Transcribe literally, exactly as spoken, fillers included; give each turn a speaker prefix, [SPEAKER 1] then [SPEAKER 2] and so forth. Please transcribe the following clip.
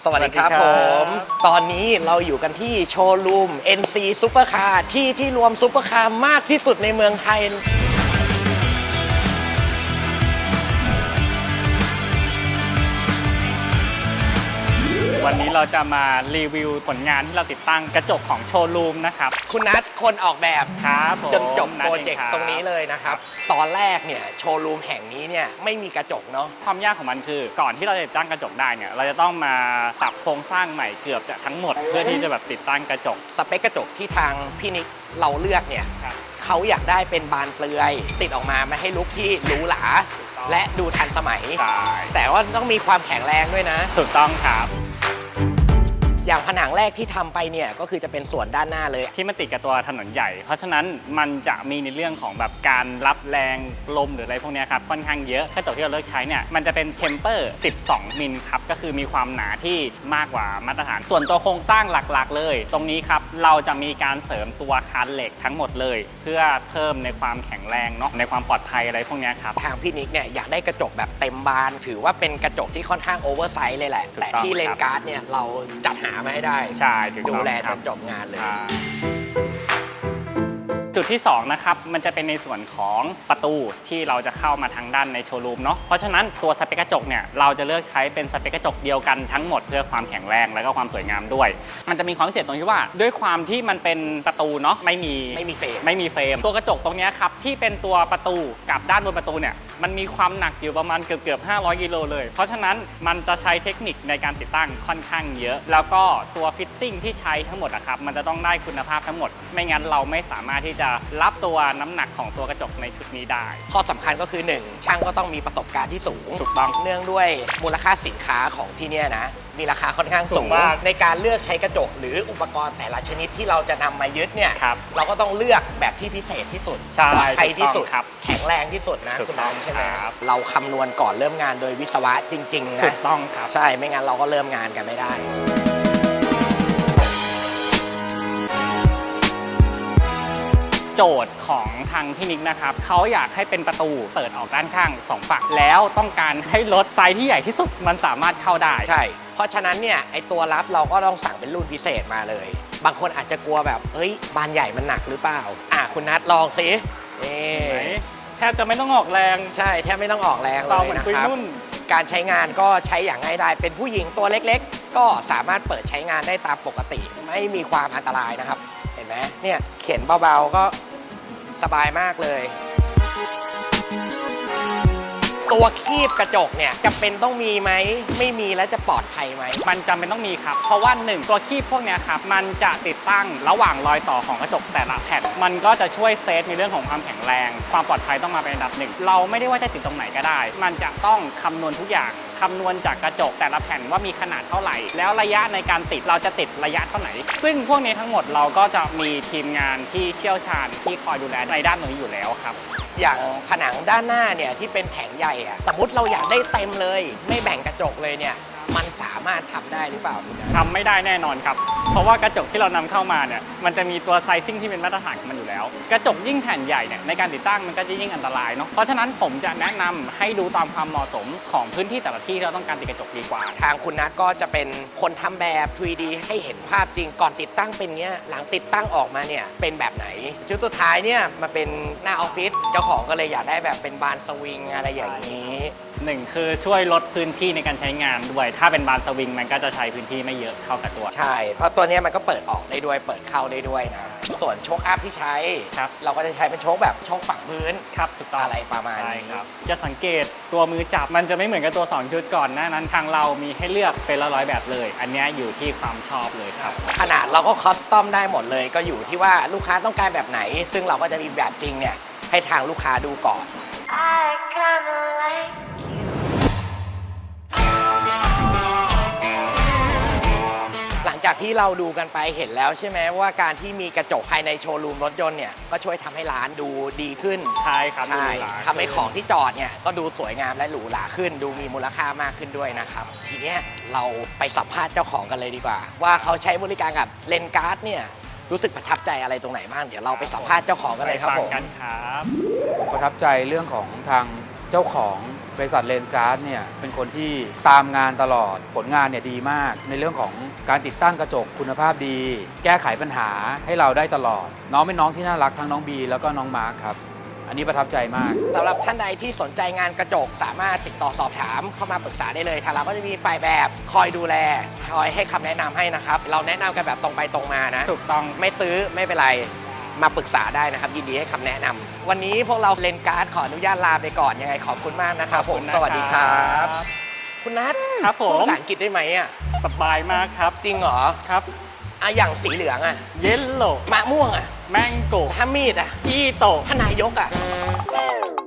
[SPEAKER 1] สวัสดีครับผมตอนนี้เราอยู่กันที่โชว์รูม เอ็น ซี Supercar ที่ที่รวมซุปเปอร์คาร์มากที่สุดในเมืองไทย
[SPEAKER 2] วันนี้เราจะมารีวิวผลงานที่เราติดตั้งกระจกของโชว์รูมนะครับ
[SPEAKER 1] คุณนัทคนออกแบบ
[SPEAKER 2] ครับ
[SPEAKER 1] จนจบโปรเจกต์ตรงนี้เลยนะครับตอนแรกเนี่ยโชว์รูมแห่งนี้เนี่ยไม่มีกระจกเนาะ
[SPEAKER 2] ความยากของมันคือก่อนที่เราจะติดตั้งกระจกได้เนี่ยเราจะต้องมาปรับโครงสร้างใหม่เกือบจะทั้งหมดเพื่อที่จะแบบติดตั้งกระจก
[SPEAKER 1] สเปคกระจกที่ทางพี่นิกเราเลือกเนี่ยเขาอยากได้เป็นบานเปลือยติดออกมามาให้ลุคที่หรูหราและดูทันสมัยแต่ว่าต้องมีความแข็งแรงด้วยนะ
[SPEAKER 2] ถูกต้องครับ
[SPEAKER 1] อย่างผนังแรกที่ทำไปเนี่ยก็คือจะเป็นส่วนด้านหน้าเลย
[SPEAKER 2] ที่มันติดกับตัวถนนใหญ่เพราะฉะนั้นมันจะมีในเรื่องของแบบการรับแรงลมหรืออะไรพวกนี้ครับค่อนข้างเยอะกระจกที่เราเลือกใช้เนี่ยมันจะเป็นเทมเปอร์สิบสองมิลครับก็คือมีความหนาที่มากกว่ามาตรฐานส่วนตัวโครงสร้างหลักๆเลยตรงนี้ครับเราจะมีการเสริมตัวคานเหล็กทั้งหมดเลยเพื่อเพิ่มในความแข็งแรงเนาะในความปลอดภัยอะไรพวกนี้ครับ
[SPEAKER 1] ทางพี่นิกเนี่ยอยากได้กระจกแบบเต็มบานถือว่าเป็นกระจกที่ค่อนข้างโอเวอร์ไซส์เลยแหละแต่ที่เลนการ์ดเนี่ยเราจัดหามาให้ได้ดูแลจนจบงานเลย
[SPEAKER 2] จุดที่สองนะครับมันจะเป็นในส่วนของประตูที่เราจะเข้ามาทางด้านในโชว์รูมเนาะเพราะฉะนั้นตัวสเปคกระจกเนี่ยเราจะเลือกใช้เป็นสเปคกระจกเดียวกันทั้งหมดเพื่อความแข็งแรงและก็ความสวยงามด้วยมันจะมีความพิเศษตรงที่ว่าด้วยความที่มันเป็นประตูเนาะไม่มี
[SPEAKER 1] ไม่มีเฟรม
[SPEAKER 2] ไม่มีเฟรมตัวกระจกตรงนี้ครับที่เป็นตัวประตูกับด้านบนประตูเนี่ยมันมีความหนักอยู่ประมาณเกือบเกือบห้าร้อยกิโลเลยเพราะฉะนั้นมันจะใช้เทคนิคในการติดตั้งค่อนข้างเยอะแล้วก็ตัวฟิตติ้งที่ใช้ทั้งหมดอะครับมันจะต้องได้คุณภาพทั้งหมดไม่งั้นเราไม่สามารถที่จะรับตัวน้ำหนักของตัวกระจกในชุดนี้ได้
[SPEAKER 1] ข้อสำคัญก็คือหนึ่งช่างก็ต้องมีประสบการณ์ที่สูง
[SPEAKER 2] ถูกต้อง
[SPEAKER 1] เนื่องด้วยมูลค่าสินค้าของที่นี่นะมีราคาค่อนข้างสูงในการเลือกใช้กระจกหรืออุปกรณ์แต่ละชนิดที่เราจะนำมายึดเนี่ยเราก็ต้องเลือกแบบที่พิเศษที่สุดปลอดภัยที่สุดแข็งแรงที่สุดนะคุณน้องใช่ไหมเราคำนวณก่อนเริ่มงานโดยวิศวะจริงๆนะ
[SPEAKER 2] ถูกต้องครับ
[SPEAKER 1] ใช่ไม่งั้นเราก็เริ่มงานกันไม่ได้
[SPEAKER 2] โจทย์ของทางพี่นิกนะครับเขาอยากให้เป็นประตูเปิดออกด้านข้างสองฝั่งแล้วต้องการให้รถไซส์ที่ใหญ่ที่สุดมันสามารถเข้าได้
[SPEAKER 1] ใช่เพราะฉะนั้นเนี่ยไอตัวรับเราก็ต้องสั่งเป็นรุ่นพิเศษมาเลยบางคนอาจจะกลัวแบบเฮ้ยบานใหญ่มันหนักหรือเปล่าอ่ะคุณนัทลองสิ
[SPEAKER 2] แทบจะไม่ต้องออกแรง
[SPEAKER 1] ใช่แทบไม่ต้องออกแรงเลยนะครับการใช้งานก็ใช้อย่างง่ายดายเป็นผู้หญิงตัวเล็กๆก็สามารถเปิดใช้งานได้ตามปกติไม่มีความอันตรายนะครับเห็นไหมเนี่ยเข็นเบาๆก็สบายมากเลยตัวคีบกระจกเนี่ยจำเป็นต้องมีไหมไม่มีแล้วจะปลอดภัยไหม
[SPEAKER 2] มันจำเป็นต้องมีครับเพราะว่าหนึ่งตัวคีบพวกนี้ครับมันจะติดตั้งระหว่างรอยต่อของกระจกแต่ละแผ่นมันก็จะช่วยเซฟในเรื่องของความแข็งแรงความปลอดภัยต้องมาเป็นอันดับหนึ่งเราไม่ได้ว่าจะติดตรงไหนก็ได้มันจะต้องคำนวณทุกอย่างคำนวณจากกระจกแต่ละแผ่นว่ามีขนาดเท่าไหร่แล้วระยะในการติดเราจะติดระยะเท่าไหร่ซึ่งพวกนี้ทั้งหมดเราก็จะมีทีมงานที่เชี่ยวชาญที่คอยดูแลในด้านนี้อยู่แล้วครับ
[SPEAKER 1] อย่างผนังด้านหน้าเนี่ยที่เป็นแผงใหญ่อะสมมติเราอยากได้เต็มเลยไม่แบ่งกระจกเลยเนี่ยมันสามารถทำได้หรือเปล่าคุณ
[SPEAKER 2] ทำไม่ได้แน่นอนครับเพราะว่ากระจกที่เรานำเข้ามาเนี่ยมันจะมีตัวไซซิ่งที่เป็นมาตรฐานของมันอยู่แล้วกระจกยิ่งแผ่นใหญ่เนี่ยในการติดตั้งมันก็จะยิ่งอันตรายเนาะเพราะฉะนั้นผมจะแนะนำให้ดูตามความเหมาะสมของพื้นที่แต่ละที่ที่เราต้องการติดกระจกดีกว่า
[SPEAKER 1] ทางคุณนัทก็จะเป็นคนทำแบบ ทรี ดี ให้เห็นภาพจริงก่อนติดตั้งเป็นเงี้ยหลังติดตั้งออกมาเนี่ยเป็นแบบไหนชุดสุดท้ายเนี่ยมาเป็นหน้าออฟฟิศเจ้าของก็เลยอยากได้แบบเป็นบานสวิงอะไรอย่างนี้
[SPEAKER 2] หนึ่งคือช่วยลดพื้นที่ในการใช้งานด้วยถ้าเป็นบานสวิงมันก็จะใช้พื้นที่ไม่เยอะเท่ากับตัว
[SPEAKER 1] ใช่เพราะตัวนี้มันก็เปิดออกได้ด้วยเปิดเข้าได้ด้วยนะส่วนโชคอัพที่ใช้เราก็จะใช้เป็นโชคแบบโชคฝั่งพื้น
[SPEAKER 2] ครับถูกต้อง
[SPEAKER 1] อะไรประมาณนี้
[SPEAKER 2] ครับจะสังเกตตัวมือจับมันจะไม่เหมือนกับตัวสองชุดก่อนหน้านั้นทางเรามีให้เลือกเป็นละร้อยแบบเลยอันนี้อยู่ที่ความชอบเลยครับ
[SPEAKER 1] ขนาดเราก็คอสตอมได้หมดเลยก็อยู่ที่ว่าลูกค้าต้องการแบบไหนซึ่งเราก็จะมีแบบจริงเนี่ยให้ทางลูกค้าดูก่อนหลังจากที่เราดูกันไปเห็นแล้วใช่ไหมว่าการที่มีกระจกภายในโชว์รูมรถยนต์เนี่ยก็ช่วยทำให้ร้านดูดีขึ้น
[SPEAKER 2] ใช่ครับ
[SPEAKER 1] ใช่ทำให้ของที่จอดเนี่ยก็ดูสวยงามและหรูหราขึ้นดูมีมูลค่ามากขึ้นด้วยนะครับทีนี้เราไปสัมภาษณ์เจ้าของกันเลยดีกว่าว่าเขาใช้บริการกับเลนการ์ดเนี่ยรู้สึกประทับใจอะไรตรงไหนบ้างเดี๋ยวเราไปสัมภาษณ์เจ้าของกันเลยครับผม
[SPEAKER 2] กันครับ
[SPEAKER 3] ผมประทับใจเรื่องของทางเจ้าของเบริษัทเลนส์การ์ดเนี่ยเป็นคนที่ตามงานตลอดผลงานเนี่ยดีมากในเรื่องของการติดตั้งกระจกคุณภาพดีแก้ไขปัญหาให้เราได้ตลอดน้องเป็นน้องที่น่ารักทั้งน้องบีแล้วก็น้องมาร์คครับอันนี้ประทับใจมาก
[SPEAKER 1] สำหรับท่านใดที่สนใจงานกระจกสามารถติดต่อสอบถามเข้ามาปรึกษาได้เลยทางเราก็จะมีฝ่ายแบบคอยดูแลคอยให้คำแนะนำให้นะครับเราแนะนำกันแบบตรงไปตรงมานะ
[SPEAKER 2] ถูกต้อง
[SPEAKER 1] ไม่ซื้อไม่เป็นไรมาปรึกษาได้นะครับยินดีให้คำแนะนำวันนี้พวกเราเลนการ์ดขออนุญาตลาไปก่อนยังไงขอบคุณมากนะครับผมสวัสดีครับคุณนัท
[SPEAKER 2] ครับผม
[SPEAKER 1] ภาษาอังกฤษได้ไหมอ่ะ
[SPEAKER 2] สบายมากครับ
[SPEAKER 1] จริงเหรอ
[SPEAKER 2] ครับ
[SPEAKER 1] อ่ะอย่างสีเหลืองอ่ะ
[SPEAKER 2] เยลโล่
[SPEAKER 1] มะม่วงอ่ะ
[SPEAKER 2] แมงโก้
[SPEAKER 1] ถ้ามีดอ่ะ
[SPEAKER 2] อีโต้
[SPEAKER 1] ถ้านายกอ่ะ